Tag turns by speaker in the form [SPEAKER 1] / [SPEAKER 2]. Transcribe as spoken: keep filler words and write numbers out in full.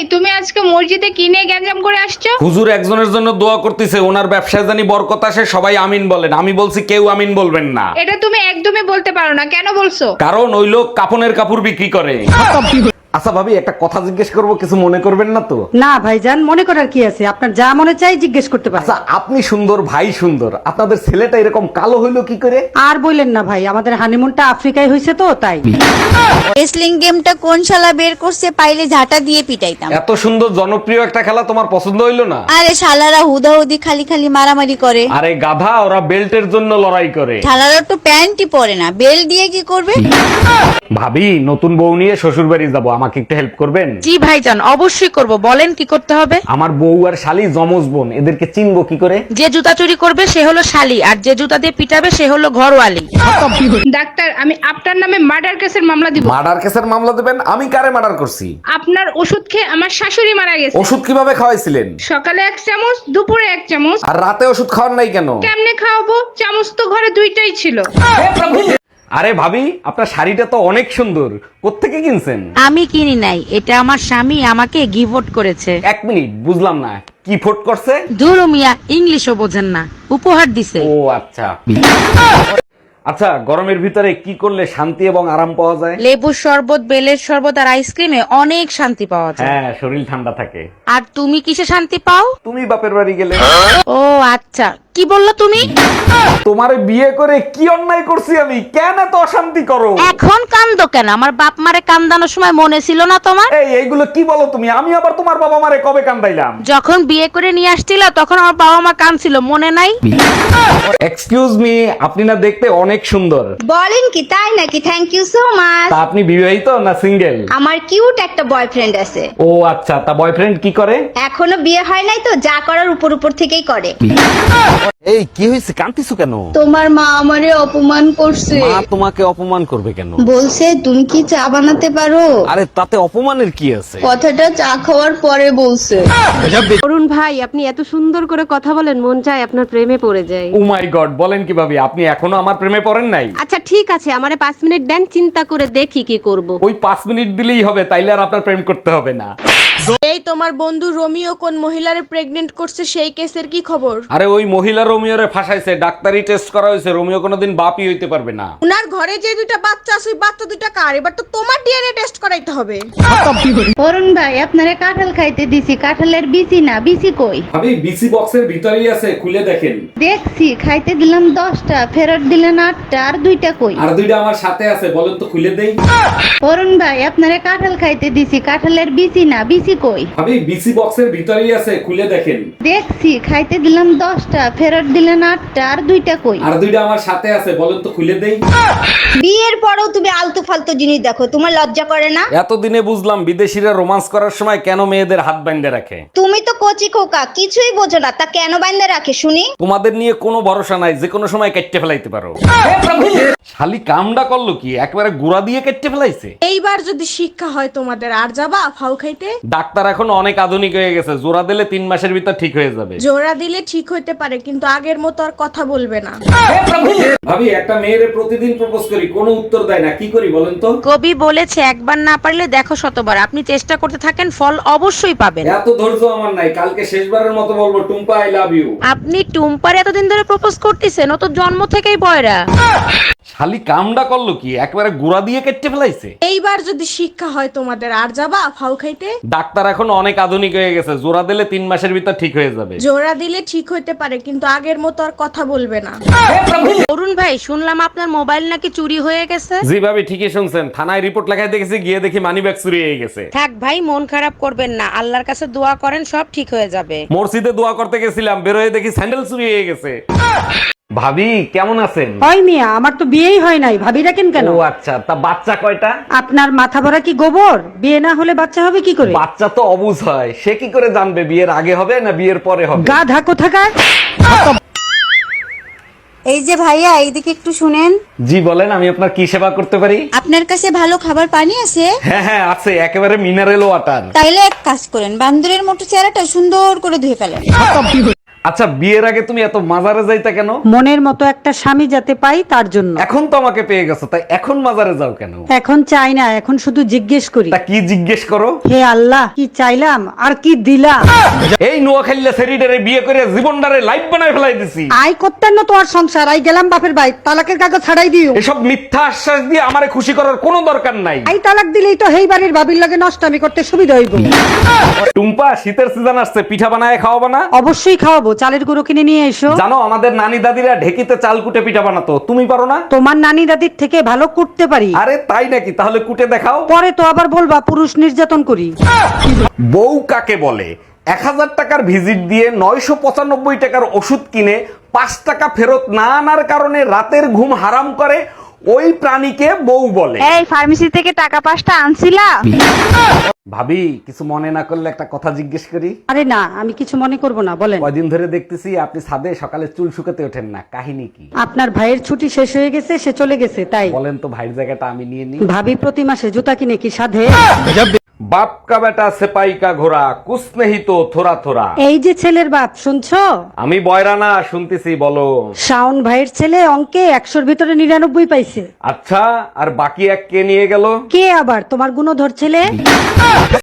[SPEAKER 1] তুমি আজকে মসজিদে কি নিয়ে গ্যাঞ্জাম করে আসছো?
[SPEAKER 2] হুজুর একজনের জন্য দোয়া করতেছে, ওনার ব্যবসায় জানি বরকত আসে, সবাই আমিন বলেন। আমি বলছি কেউ আমিন বলবেন না।
[SPEAKER 1] এটা তুমি একদমই বলতে পারো না, কেন বলছো?
[SPEAKER 2] কারণ ওই লোক কাপনের কাপড় বিক্রি করে। আচ্ছা ভাবি, একটা কথা জিজ্ঞেস করব, কিছু মনে করবেন না তো?
[SPEAKER 3] না ভাইজান, মনে করার কি আছে, আপনার যা মনে চাই জিজ্ঞেস করতে পারেন।
[SPEAKER 2] আচ্ছা, আপনি সুন্দর, ভাই সুন্দর, আপনাদের ছেলেটা এরকম কালো হইলো কি করে?
[SPEAKER 3] আর বললেন না ভাই, আমাদের হানিমুনটা আফ্রিকায় হয়েছে তো তাই।
[SPEAKER 4] রেসলিং গেমটা কোন শালা বের করছে, পাইলে ঝাঁটা দিয়ে পিটাইতাম।
[SPEAKER 2] এত সুন্দর জনপ্রিয় একটা খেলা তোমার পছন্দ হইলো না?
[SPEAKER 4] আরে শালারা হুদাহুদি খালি খালি মারামারি করে।
[SPEAKER 2] আরে গাধা, ওরা বেল্টের জন্য লড়াই করে।
[SPEAKER 4] শালারা তো প্যান্টই পরে না, বেল্ট দিয়ে কি করবে?
[SPEAKER 2] ভাবি, নতুন বউ নিয়ে শ্বশুর বাড়ি যাবো, আমাকে একটু হেল্প করবেন?
[SPEAKER 5] জি ভাইজান, অবশ্যই করব, বলেন কি করতে হবে।
[SPEAKER 2] আমার বউ আর শালি জমজ বোন, এদেরকে চিনবো কি করে?
[SPEAKER 5] যে জুতা চুরি করবে সে হলো শালি, আর যে জুতা দিয়ে পিটাবে সে হলো ঘরওয়ালি।
[SPEAKER 1] ডাক্তার, আমি আপনার নামে মার্ডার কেসের মামলা দিব।
[SPEAKER 2] মার্ডার কেসের মামলা দেবেন? আমি কারে মার্ডার করছি?
[SPEAKER 1] আপনার ওষুধ খেয়ে আমার শাশুড়ি মারা গেছে।
[SPEAKER 2] ওষুধ কিভাবে খাওয়াইছিলেন?
[SPEAKER 1] সকালে এক চামচ, দুপুরে এক চামচ।
[SPEAKER 2] আর রাতে ওষুধ খাওয়ার নাই কেন?
[SPEAKER 1] কেমনে খাওয়াবো? চামচ তো ঘরে দুইটাই ছিল।
[SPEAKER 2] আরে ভাবি, আপনার শাড়িটা তো অনেক সুন্দর, কোত্থেকে কিনছেন?
[SPEAKER 5] আমি কিনি নাই, এটা আমার স্বামী আমাকে গিফট করেছে।
[SPEAKER 2] এক মিনিট, বুঝলাম না, কি ফোট করছে?
[SPEAKER 5] ধুরু মিয়া, ইংলিশও বোঝেন না, উপহার দিছে।
[SPEAKER 2] ও আচ্ছা। আচ্ছা, গরমের ভিতরে কি করলে শান্তি এবং আরাম পাওয়া যায়?
[SPEAKER 5] লেবুর শরবত, বেলের শরবত আর আইসক্রিমে অনেক শান্তি পাওয়া যায়।
[SPEAKER 2] হ্যাঁ, শরীর ঠান্ডা থাকে।
[SPEAKER 5] আর তুমি কিসে শান্তি পাও?
[SPEAKER 2] তুমি বাপের বাড়ি গেলে।
[SPEAKER 5] ও আচ্ছা, কি বললো তুমি?
[SPEAKER 2] তোমারে বিয়ে করে কি অন্যায় করছি আমি? কেন এত অশান্তি করো?
[SPEAKER 5] এখন কান্দো কেন? আমার বাপ মারে কান্দানোর সময় মনে ছিল না তোমার?
[SPEAKER 2] এই এইগুলো কি বলো তুমি? আমি আবার তোমার বাবা মারে কবে কান্দাইলাম?
[SPEAKER 5] যখন বিয়ে করে নিয়ে আসছিল তখন আমার বাবা মা কাঁদছিল, মনে নাই?
[SPEAKER 2] এক্সকিউজ মি, আপনি না দেখতে অনেক সুন্দর।
[SPEAKER 6] বলেন কি, তাই নাকি? Thank you so much.
[SPEAKER 2] তা আপনি বিবাহিত না সিঙ্গেল?
[SPEAKER 6] আমার কিউট একটা বয়ফ্রেন্ড আছে।
[SPEAKER 2] ও আচ্ছা, তা বয়ফ্রেন্ড কি করে?
[SPEAKER 6] এখনো বিয়ে হয় নাই তো, যা করার উপর উপর থেকেই করে।
[SPEAKER 2] এই কি হয়েছে, কাঁদতেছো কেন?
[SPEAKER 6] তোমার মা আমারে অপমান করছে।
[SPEAKER 2] মা তোমাকে অপমান করবে কেন?
[SPEAKER 6] বলছে তুমি কি চা বানাতে পারো।
[SPEAKER 2] আরে তাতে অপমানের কি আছে?
[SPEAKER 6] কথাটা চা খাওয়ার পরে বলছে।
[SPEAKER 7] অরুণ ভাই, আপনি এত সুন্দর করে কথা বলেন, মন চায় আপনার প্রেমে পড়ে যায়।
[SPEAKER 2] ও মাই গড, বলেন কিভাবে? আপনি এখনো আমার প্রেমে পড়েন নাই?
[SPEAKER 7] আচ্ছা ঠিক আছে, আমারে পাঁচ মিনিট দেন, চিন্তা করে দেখি কি করব।
[SPEAKER 2] ওই পাঁচ মিনিট দিলেই হবে, তাইলে আর আপনার প্রেম করতে হবে না।
[SPEAKER 8] এই তোমার বন্ধু রোমিও কোন মহিলারে প্রেগনেন্ট করছে, সেই কেসের কি খবর?
[SPEAKER 2] আরে ওই মহিলা রোমিওরে ফাঁসাইছে, ডাক্তারি টেস্ট করা হয়েছে, রোমিও কোনোদিন বাপই হইতে পারবে না।
[SPEAKER 8] উনার ঘরে যে দুইটা বাচ্চা আছে, ওই বাচ্চা দুইটা কার? এবার তো তোমার ডিএনএ টেস্ট করাইতে হবে।
[SPEAKER 6] অরুণ ভাই, আপনারে কাঁঠাল খাইতে দিছি, কাঁঠালের বিচি না, বিচি কই?
[SPEAKER 2] ভাবি, বিসি বক্সের ভিতরেই আছে, খুলে দেখেন।
[SPEAKER 6] দেখছি, খাইতে দিলাম দশটা, ফেরত দিলেন আটটা, আর দুইটা কই?
[SPEAKER 2] আর দুইটা আমার সাথে আছে, বলেন তো খুলে দেই।
[SPEAKER 6] অরুণ ভাই, আপনারে কাঁঠাল খাইতে দিছি, কাঁঠালের বিচি না, বিচি কই?
[SPEAKER 2] ভাবি, বিসি বক্সের ভিতরেই আছে, খুলে দেখেন।
[SPEAKER 6] দেখছি, খাইতে দিলাম দশটা, ফেরত দিলেন আটটা, আর দুইটা কই?
[SPEAKER 2] আর দুইটা আমার সাথে আছে, বলেন তো খুলে দেই।
[SPEAKER 6] বিয়ের পরেও তুমি আলতু ফালতু জিনিস দেখো, তোমার লজ্জা করে না?
[SPEAKER 2] এতদিনে বুঝলাম বিদেশিরা রোমান্স করার সময় কেন মেয়েদের হাত বাইন্ধে রাখে।
[SPEAKER 6] তুমি তো কচি খোকা, কিছুই বোঝো না, তা কেন বাইন্দা রাখে শুনি?
[SPEAKER 2] তোমাদের নিয়ে কোনো ভরসা নাই, যে কোনো সময় কেটে ফেলাইতে পারো। শালি কামডা করলো কি, একবারে গুড়া দিয়ে কেটে ফেলাইছে।
[SPEAKER 8] এইবার যদি শিক্ষা হয় তোমাদের, আর যাবা ফাউ খাইতে?
[SPEAKER 2] ডাক্তার এখন অনেক আধুনিক হয়ে গেছে, জোড়া দিলে তিন মাসের ভিতর ঠিক হয়ে যাবে।
[SPEAKER 8] জোড়া দিলে ঠিক হইতে পারে, কিন্তু আগের মতো আর কথা বলবে না।
[SPEAKER 2] ভাবি, একটা মেয়েরে প্রতিদিন প্রপোজ করি, কোনো উত্তর দেয় না, কি করি বলেন তো?
[SPEAKER 5] কবি বলেছে, একবার না পারলে দেখো শতবার। আপনি চেষ্টা করতে থাকেন, ফল অবশ্যই পাবেন।
[SPEAKER 2] এত ধৈর্য আমার নাই, কালকে শেষবারের মতো বলবো, টুম্পা আই লাভ ইউ।
[SPEAKER 5] আপনি টুম্পার এতদিন ধরে প্রপোজ করতেছেন, ও তো জন্ম থেকেই বয়রা।
[SPEAKER 2] শালি কামডা করলো কি, একবারে গুড়া দিয়ে কেটে ফেলাইছে।
[SPEAKER 8] এইবার যদি শিক্ষা হয় তোমাদের, আর যাবা ফাউ খাইতে?
[SPEAKER 2] ডাক্তার এখন অনেক আধুনিক হয়ে গেছে, জোড়া দিলে তিন মাসের ভিতর ঠিক হয়ে যাবে।
[SPEAKER 8] জোড়া দিলে ঠিক হইতে পারে, কিন্তু আগের মতো আর কথা বলবে না।
[SPEAKER 5] অরুণ ভাই, শুনলাম আপনার মোবাইল নাকি চুরি হয়ে গেছে।
[SPEAKER 2] জি ভাবি, ঠিকই শুনছেন, থানায় রিপোর্ট লেখায় দেখেছি, গিয়ে দেখি মানি ব্যাগ চুরি হয়ে গেছে।
[SPEAKER 5] থাক ভাই, মন খারাপ করবেন না, আল্লাহর কাছে দোয়া করেন, সব ঠিক হয়ে যাবে।
[SPEAKER 2] মসজিদে দোয়া করতে গেছিলাম, বেরোয় দেখি স্যান্ডেল চুরি হয়ে গেছে। ভাবি, কেমন আছেন?
[SPEAKER 3] হয় মিয়া, আমার তো বিয়েই হয় নাই, ভাবি রাখেন কেন?
[SPEAKER 2] ও আচ্ছা, তা বাচ্চা কয়টা?
[SPEAKER 3] আপনার মাথা ভরা কি গোবর? বিয়ে না হলে বাচ্চা হবে কি করে?
[SPEAKER 2] বাচ্চা তো অবুঝ হয়, সে কি করে জানবে বিয়ের আগে হবে না বিয়ের পরে হবে?
[SPEAKER 3] গাধা কোথাকার।
[SPEAKER 4] এই যে ভাইয়া, এইদিকে একটু শুনেন।
[SPEAKER 2] জি বলেন, আমি আপনার কি সেবা করতে পারি?
[SPEAKER 4] আপনার কাছে ভালো খাবার পানি আছে?
[SPEAKER 2] হ্যাঁ হ্যাঁ আছে, একেবারে মিনারেল ওয়াটার।
[SPEAKER 4] তাইলে এক কাজ করেন, বান্দরের মতো চেহারাটা সুন্দর করে ধুয়ে ফেলেন।
[SPEAKER 2] আচ্ছা বিয়ের আগে তুমি এত মাজারে যাইতা কেন?
[SPEAKER 3] মনের মতো একটা স্বামী যাতে পাই তার জন্য।
[SPEAKER 2] এখন তো আমাকে পেয়ে গেছো, তাই এখন মাজারে যাও কেন?
[SPEAKER 3] এখন চাই না, এখন শুধু জিজ্ঞেস করি,
[SPEAKER 2] তা কি জিজ্ঞেস করো?
[SPEAKER 3] হে আল্লাহ কি চাইলাম আর কি দিলাম।
[SPEAKER 2] এই নোয়াখালীলা সেরিডারে বিয়ে করে জীবনটারে লাইফ বানায় ফেলাই দিছি।
[SPEAKER 3] আই করতেন না তোমার সংসার, আই গেলাম বাপের বাড়ি, তালাকের কাগজ ছাড়াই দিও।
[SPEAKER 2] এসব মিথ্যা আশ্বাস দিয়ে আমারে খুশি করার কোনো দরকার নাই।
[SPEAKER 3] আই তালাক দিলেই তো হেই বাড়ির ভাবির লাগে নষ্টামি করতে সুবিধা হইব।
[SPEAKER 2] টুম্পা, শীতের সিজন আসছে, পিঠা বানায় খাওয়াবা না?
[SPEAKER 3] অবশ্যই খাওয়াবো, চালের গুঁড়ো কিনে নিয়ে এসো।
[SPEAKER 2] জানো আমাদের নানি দাদিরা ঢেকিতে চাল কুটে পিঠা বানাতো, তুমি পারো না?
[SPEAKER 3] তোমার নানি দাদির থেকে ভালো করতে পারি।
[SPEAKER 2] আরে তাই নাকি? তাহলে কুটে দেখাও।
[SPEAKER 3] পরে তো আবার বলবা পুরুষ নির্যাতন করি।
[SPEAKER 2] বউ কাকে বলে? এক হাজার টাকার ভিজিট দিয়ে নয়শো পঁচানব্বই টাকার ওষুধ কিনে পাঁচ টাকা ফেরত না আনার কারণে রাতের ঘুম হারাম করে, ওই প্রাণীকে বউ বলে।
[SPEAKER 5] এই ফার্মেসি থেকে টাকা পাঁচটা আনছিলা?
[SPEAKER 2] ভাবি কিছু মনে না করলে একটা কথা জিজ্ঞেস করি?
[SPEAKER 3] আরে না, আমি কিছু মনে করব না, বলেন।
[SPEAKER 2] কয়দিন ধরে দেখতেছি আপনি ছাদে সকালে চুল শুকাতে ওঠেন না, কাহিনী কি?
[SPEAKER 3] আপনার ভাইয়ের ছুটি শেষ হয়ে গেছে, সে চলে গেছে তাই।
[SPEAKER 2] বলেন তো ভাইয়ের জায়গাটা আমি নিয়ে নিই।
[SPEAKER 3] ভাবি প্রতি মাসে জুতা কিনে কি সাধে?
[SPEAKER 2] বাপ কা বেটা সেপাই কা ঘোড়া কুছ নেহি তো থোড়া থোড়া।
[SPEAKER 3] এই যে ছেলের বাপ, শুনছো?
[SPEAKER 2] আমি বয়রা না, শুনতেছি, বলো।
[SPEAKER 3] শাওন ভাইয়ের ছেলে অঙ্কে একশোর ভিতরে নিরানব্বই পাইছে।
[SPEAKER 2] আচ্ছা, আর বাকি এক কে নিয়ে গেল?
[SPEAKER 3] কে আবার? তোমার গুণধর ছেলে।